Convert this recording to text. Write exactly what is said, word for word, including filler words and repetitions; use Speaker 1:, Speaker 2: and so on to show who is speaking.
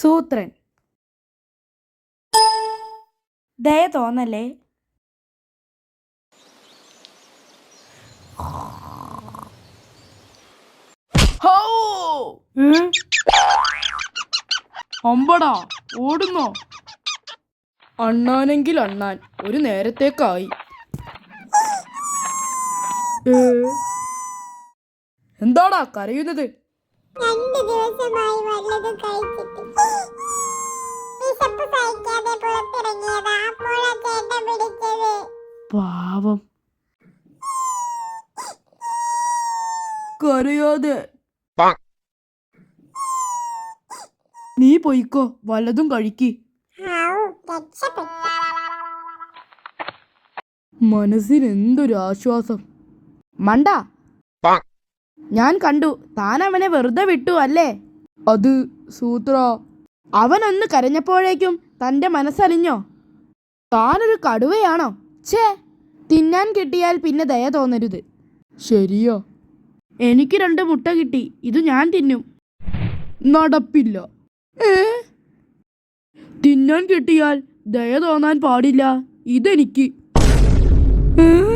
Speaker 1: സൂത്രൻ. ദയ തോന്നല്ലേ.
Speaker 2: അമ്പടാ ഓടുന്നോ? അണ്ണാനെങ്കിൽ അണ്ണാൻ ഒരു നേരത്തേക്കായി. എന്താടാ കരയുന്നത്?
Speaker 3: രണ്ട് ദിവസമായി വല്ലതും കഴിച്ചിട്ട് വിശപ്പ് സഹിക്കാതെ പുറത്തിറങ്ങിയതാ. അപ്പോഴാ ചേട്ടൻ പിടിച്ചത്.
Speaker 2: പാവം. കരയാതെ. നീ പൊയ്ക്കോ, വല്ലതും കഴിക്ക്. മനസ്സിന് എന്തൊരു ആശ്വാസം. മണ്ട, ഞാൻ കണ്ടു താൻ അവനെ വെറുതെ വിട്ടു അല്ലേ? അത് സൂത്ര, അവനൊന്ന് കരഞ്ഞപ്പോഴേക്കും തൻ്റെ മനസ്സലിഞ്ഞോ? താനൊരു കടുവയാണോ? ഛേ, തിന്നാൻ കിട്ടിയാൽ പിന്നെ ദയ തോന്നരുത്. ശരിയോ? എനിക്ക് രണ്ട് മുട്ട കിട്ടി, ഇത് ഞാൻ തിന്നും. നടപ്പില്ല. ഏ, തിന്നാൻ കിട്ടിയാൽ ദയ തോന്നാൻ പാടില്ല, ഇതെനിക്ക്. ഏ